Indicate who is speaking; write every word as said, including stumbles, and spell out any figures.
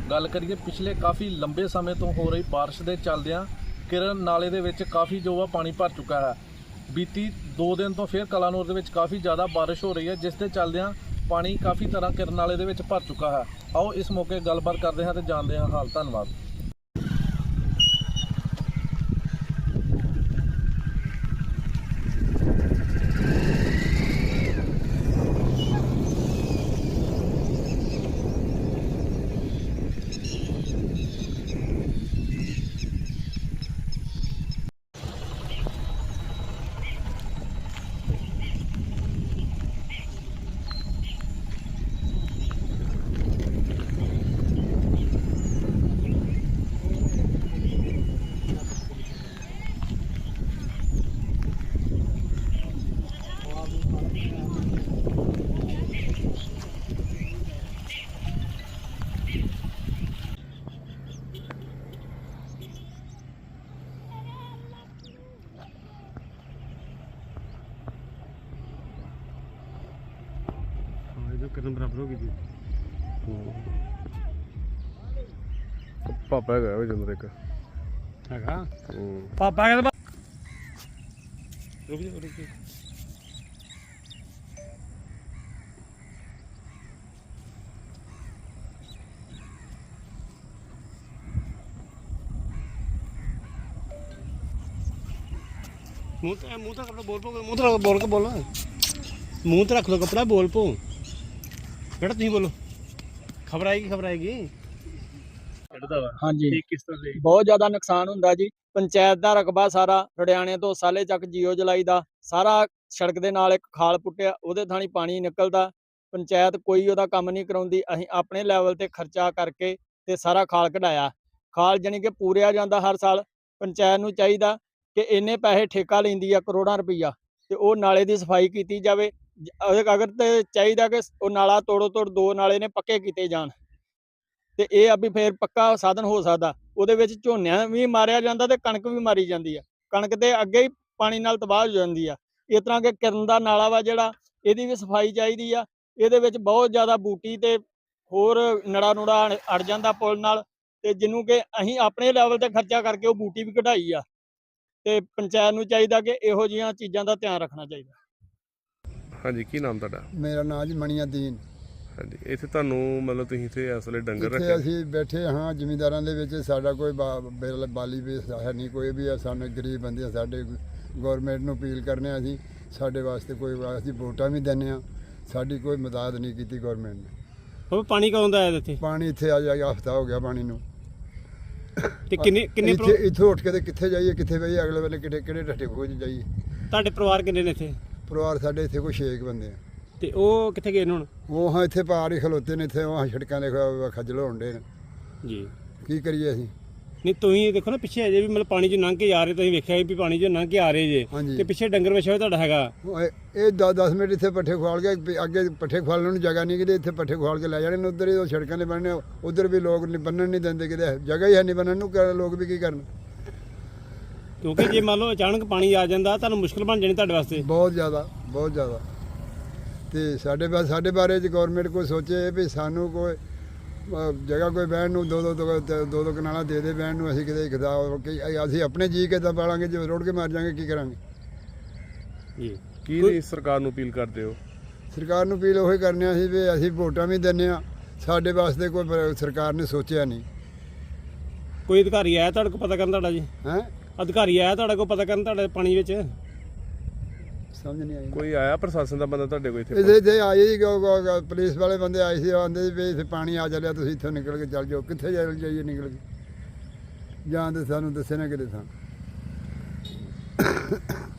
Speaker 1: ਗੱਲ ਕਰੀਏ ਪਿਛਲੇ ਕਾਫੀ ਲੰਬੇ ਸਮੇਂ ਤੋਂ ਹੋ ਰਹੀ ਬਾਰਿਸ਼ ਦੇ ਚੱਲਦਿਆਂ ਕਿਰਨ ਨਾਲੇ ਦੇ ਵਿੱਚ ਕਾਫੀ ਜੋ ਆ ਪਾਣੀ ਭਰ ਚੁੱਕਾ ਹੈ। ਬੀਤੀ ਦੋ ਦਿਨ ਤੋਂ ਫਿਰ ਕਲਾਨੌਰ ਦੇ ਵਿੱਚ ਕਾਫੀ ਜ਼ਿਆਦਾ ਬਾਰਿਸ਼ ਹੋ ਰਹੀ ਹੈ, ਜਿਸ ਦੇ ਚੱਲਦਿਆਂ ਪਾਣੀ ਕਾਫੀ ਤਰ੍ਹਾਂ ਕਿਰਨ ਨਾਲੇ ਦੇ ਵਿੱਚ ਭਰ ਚੁੱਕਾ ਹੈ। ਆਓ ਇਸ ਮੌਕੇ ਗੱਲਬਾਤ ਕਰਦੇ ਹਾਂ ਤੇ ਜਾਣਦੇ ਹਾਂ ਹਾਲ। ਧੰਨਵਾਦ।
Speaker 2: कितना बराबर होगी जी
Speaker 3: पापा है जंदर एक
Speaker 2: हैगा पापा का रुक जा रुक जा मुंह तो मुंह तो कपड़ा बोल पो मुंह तो बोल के बोलो मुंह तो रख लो कपड़ा बोल पो बेटा तुम बोलो खबर आएगी खबर आएगी
Speaker 4: हाँ जी
Speaker 2: किस तरह से
Speaker 4: बहुत ज्यादा नुकसान ਹੁੰਦਾ ਜੀ। ਪੰਚਾਇਤ ਦਾ ਰਕਬਾ ਸਾਰਾ ਰੜਿਆਣੇ ਤੋਂ ਸਾਲੇ ਚੱਕ ਜੀਓ ਜਲਾਈ ਦਾ ਸਾਰਾ ਸੜਕ ਦੇ ਨਾਲ ਇੱਕ ਖਾਲ ਪੁੱਟਿਆ, ਉਹਦੇ ਥਾਣੀ ਪਾਣੀ ਨਿਕਲਦਾ। ਪੰਚਾਇਤ ਕੋਈ ਉਹਦਾ ਕੰਮ ਨਹੀਂ ਕਰਾਉਂਦੀ। ਅਸੀਂ ਆਪਣੇ ਲੈਵਲ ਤੇ ਖਰਚਾ ਕਰਕੇ ਤੇ ਸਾਰਾ ਖਾਲ ਕਢਾਇਆ। ਖਾਲ ਜਾਨੀ ਕਿ ਪੂਰਿਆ ਜਾਂਦਾ ਹਰ ਸਾਲ। ਪੰਚਾਇਤ ਨੂੰ ਚਾਹੀਦਾ ਕਿ ਇੰਨੇ ਪੈਸੇ ਠੇਕਾ ਲੈਂਦੀ ਆ ਕਰੋੜਾਂ ਰੁਪਈਆ, ਤੇ ਉਹ ਨਾਲੇ ਦੀ ਸਫਾਈ ਕੀਤੀ ਜਾਵੇ। ਅਗਰ ਤੇ ਚਾਹੀਦਾ ਕਿ ਉਹ ਨਾਲਾ ਤੋੜੋ ਤੋੜ ਦੋ ਨਾਲੇ ਨੇ ਪੱਕੇ ਕੀਤੇ ਜਾਣ, ਤੇ ਇਹ ਆ ਵੀ ਫੇਰ ਪੱਕਾ ਸਾਧਨ ਹੋ ਸਕਦਾ। ਉਹਦੇ ਵਿੱਚ ਝੋਨਿਆਂ ਵੀ ਮਾਰਿਆ ਜਾਂਦਾ ਤੇ ਕਣਕ ਵੀ ਮਾਰੀ ਜਾਂਦੀ ਆ। ਕਣਕ ਤੇ ਅੱਗੇ ਹੀ ਪਾਣੀ ਨਾਲ ਤਬਾਹ ਹੋ ਜਾਂਦੀ ਆ। ਇਸ ਤਰ੍ਹਾਂ ਕਿ ਕਿਰਨ ਦਾ ਨਾਲਾ ਵਾ ਜਿਹੜਾ, ਇਹਦੀ ਵੀ ਸਫਾਈ ਚਾਹੀਦੀ ਆ। ਇਹਦੇ ਵਿੱਚ ਬਹੁਤ ਜ਼ਿਆਦਾ ਬੂਟੀ ਤੇ ਹੋਰ ਨੜਾ ਨੂੜਾ ਅੜ ਜਾਂਦਾ ਪੁਲ ਨਾਲ, ਤੇ ਜਿਹਨੂੰ ਕਿ ਅਸੀਂ ਆਪਣੇ ਲੈਵਲ ਤੇ ਖਰਚਾ ਕਰਕੇ ਉਹ ਬੂਟੀ ਵੀ ਕਢਾਈ ਆ। ਤੇ ਪੰਚਾਇਤ ਨੂੰ ਚਾਹੀਦਾ ਕਿ ਇਹੋ ਜਿਹੀਆਂ ਚੀਜ਼ਾਂ ਦਾ ਧਿਆਨ ਰੱਖਣਾ ਚਾਹੀਦਾ।
Speaker 3: हाँ जी की नाम तुहाडा?
Speaker 5: मेरा नाम जी मणिया दीन।
Speaker 3: हाँ जी इत्थे तुहानू मतलब तुसीं इत्थे इस वेले डंगर
Speaker 5: ਇੱਥੇ
Speaker 3: रखे?
Speaker 5: ਅਸੀਂ ਬੈਠੇ ਹਾਂ ਜ਼ਿਮੀਂਦਾਰਾਂ ਦੇ ਵਿੱਚ। ਸਾਡਾ ਕੋਈ ਬਾ- ਬਿਲ ਬਾਲੀ ਵੀ ਹੈ ਨਹੀਂ, ਕੋਈ ਵੀ ਹੈ। ਸਾਨੂੰ ਗਰੀਬ ਬੰਦੇ ਆ, ਸਾਡੇ ਗੌਰਮੈਂਟ ਨੂੰ ਅਪੀਲ ਕਰਨੇ ਆ ਅਸੀਂ, ਸਾਡੇ ਵਾਸਤੇ ਕੋਈ ਅਸੀਂ ਵੋਟਾਂ ਵੀ ਦਿੰਦੇ ਹਾਂ, ਸਾਡੀ ਕੋਈ ਮਦਦ ਨਹੀਂ ਕੀਤੀ ਗੌਰਮੈਂਟ ਨੇ।
Speaker 2: ਉਹ ਪਾਣੀ ਕਦੋਂ ਦਾ ਆਇਆ ਇੱਥੇ?
Speaker 5: ਪਾਣੀ ਇੱਥੇ ਆ ਜਾਏਗਾ, ਹਫਤਾ ਹੋ ਗਿਆ ਪਾਣੀ ਨੂੰ।
Speaker 2: ਤੇ ਕਿੰਨੇ ਕਿੰਨੇ
Speaker 5: ਇੱਥੇ ਇੱਥੋਂ ਉੱਠ ਕੇ ਤੇ ਕਿੱਥੇ ਜਾਈਏ, ਕਿੱਥੇ ਬਈਏ, ਅਗਲੇ ਵੇਲੇ ਕਿਹੜੇ ਕਿਹੜੇ ਢੱਠੇ ਖੋਜ ਜਾਈਏ।
Speaker 2: ਤੁਹਾਡੇ ਪਰਿਵਾਰ ਕਿੰਨੇ ਨੇ ਇੱਥੇ?
Speaker 5: ਪਰਿਵਾਰ ਸਾਡੇ ਇੱਥੇ ਕੋਈ ਛੇ ਕੁ ਬੰਦੇ ਆ।
Speaker 2: ਤੇ ਉਹ ਕਿੱਥੇ ਗਏ ਨੇ ਹੁਣ?
Speaker 5: ਉਹ ਹਾਂ ਇੱਥੇ ਪਾਰ ਹੀ ਖਲੋਤੇ ਨੇ, ਇੱਥੇ ਉਹ ਸੜਕਾਂ ਦੇ ਖ- ਖੱਜਲ ਹੋਣ ਡੇ ਨੇ।
Speaker 2: ਜੀ
Speaker 5: ਕੀ ਕਰੀਏ ਅਸੀਂ?
Speaker 2: ਨਹੀਂ ਤੁਸੀਂ ਦੇਖੋ ਨਾ ਪਿੱਛੇ ਅਜੇ ਵੀ ਮਤਲਬ ਪਾਣੀ 'ਚ ਲੰਘ ਕੇ ਆ ਰਹੇ, ਤੁਸੀਂ ਵੇਖਿਆ ਵੀ ਪਾਣੀ 'ਚ ਲੰਘ ਕੇ ਆ ਰਹੇ ਜੇ,
Speaker 5: ਹਾਂਜੀ।
Speaker 2: ਤੇ ਪਿੱਛੇ ਡੰਗਰ ਵਛਿਆ ਹੋਇਆ ਤੁਹਾਡਾ ਹੈਗਾ।
Speaker 5: ਉਹ ਇਹ- ਇਹ ਦਸ ਦਸ ਮਿੰਟ ਇੱਥੇ ਪੱਠੇ ਖਵਾਲ ਕੇ ਵੀ ਅੱਗੇ ਪੱਠੇ ਖਵਾਲਣ ਨੂੰ ਜਗ੍ਹਾ ਨਹੀਂ, ਕਿਤੇ ਇੱਥੇ ਪੱਠੇ ਖਵਾਲ ਕੇ ਲੈ ਜਾਣੇ ਨੇ। ਉੱਧਰ ਹੀ ਉਹ ਸੜਕਾਂ ਦੇ ਬਣਨੇ, ਉੱਧਰ ਵੀ ਲੋਕ ਨਹੀਂ ਬੰਨਣ ਨਹੀਂ ਦਿੰਦੇ, ਕਿਤੇ ਜਗ੍ਹਾ ਹੀ ਹੈ ਨਹੀਂ ਬੰਨਣ ਨੂੰ। ਕਰ- ਲੋਕ ਵੀ ਕੀ ਕਰਨ?
Speaker 2: ਕਿਉਂਕਿ ਜੇ ਮੰਨ ਲਓ ਅਚਾਨਕ ਪਾਣੀ ਆ ਜਾਂਦਾ ਤੁਹਾਨੂੰ ਮੁਸ਼ਕਲ ਬਣ ਜਾਣੀ ਤੁਹਾਡੇ ਵਾਸਤੇ।
Speaker 5: ਬਹੁਤ ਜ਼ਿਆਦਾ ਬਹੁਤ ਜ਼ਿਆਦਾ। ਤੇ ਸਾਡੇ ਬਾ ਸਾਡੇ ਬਾਰੇ ਚ ਗੌਰਮੈਂਟ ਕੋਈ ਸੋਚੇ ਵੀ ਸਾਨੂੰ ਕੋਈ ਅ, ਜਗ੍ਹਾ ਕੋਈ ਬਹਿਣ ਨੂੰ ਦੋ ਦੋ ਦੋ ਦੋ ਦੋ ਕਨਾਲਾਂ ਦੇ ਦੇ ਬਹਿਣ ਨੂੰ। ਅਸੀਂ ਕਿਤੇ ਖਦਾ ਅਸੀਂ ਆਪਣੇ ਜੀ ਕਿੱਦਾਂ ਪਾਲਾਂਗੇ ਜੇ ਰੋੜ ਕੇ ਮਾਰ ਜਾਵਾਂਗੇ, ਕੀ ਕਰਾਂਗੇ?
Speaker 2: ਜੀ
Speaker 3: ਕੀ ਨਹੀਂ ਸਰਕਾਰ ਨੂੰ ਅਪੀਲ ਕਰਦੇ ਹੋ?
Speaker 5: ਸਰਕਾਰ ਨੂੰ ਅਪੀਲ ਉਹੀ ਕਰਨੇ ਅਸੀਂ ਵੀ ਅਸੀਂ ਵੋਟਾਂ ਵੀ ਦਿੰਦੇ ਹਾਂ, ਸਾਡੇ ਵਾਸਤੇ ਕੋਈ ਬ- ਸਰਕਾਰ ਨੇ ਸੋਚਿਆ ਨਹੀਂ।
Speaker 2: ਕੋਈ ਅਧਿਕਾਰੀ ਆਇਆ ਤੁਹਾਡੇ ਕੋਲ ਪਤਾ ਕਰਨ ਤੁਹਾਡਾ ਜੀ?
Speaker 5: ਹੈ
Speaker 2: ਅਧਿਕਾਰੀ ਆਇਆ ਤੁਹਾਡੇ ਕੋਲ ਪਤਾ ਕਰਨ ਤੁਹਾਡੇ ਪਾਣੀ ਵਿੱਚ?
Speaker 5: ਸਮਝ ਨਹੀਂ ਆਈ।
Speaker 3: ਕੋਈ ਆਇਆ ਪ੍ਰਸ਼ਾਸਨ ਦਾ ਬੰਦਾ ਤੁਹਾਡੇ ਕੋਲ ਇੱਥੇ?
Speaker 5: ਇਹਦੇ ਤੇ ਆਏ ਜੀ ਗ- ਗ- ਗ- ਪੁਲਿਸ ਵਾਲੇ ਬੰਦੇ ਆਏ ਸੀ, ਆਂਦੇ ਸੀ ਵੀ ਇੱਥੇ ਪਾਣੀ ਆ ਚੱਲਿਆ, ਤੁਸੀਂ ਇੱਥੋਂ ਨਿਕਲ ਕੇ ਚੱਲ ਜਾਓ। ਕਿੱਥੇ ਜਾ ਜਾਈਏ ਨਿਕਲ ਕੇ? ਜਾਂ ਤੇ ਸਾਨੂੰ ਦੱਸੇ ਨਾ ਕਿਤੇ ਥਾਂ।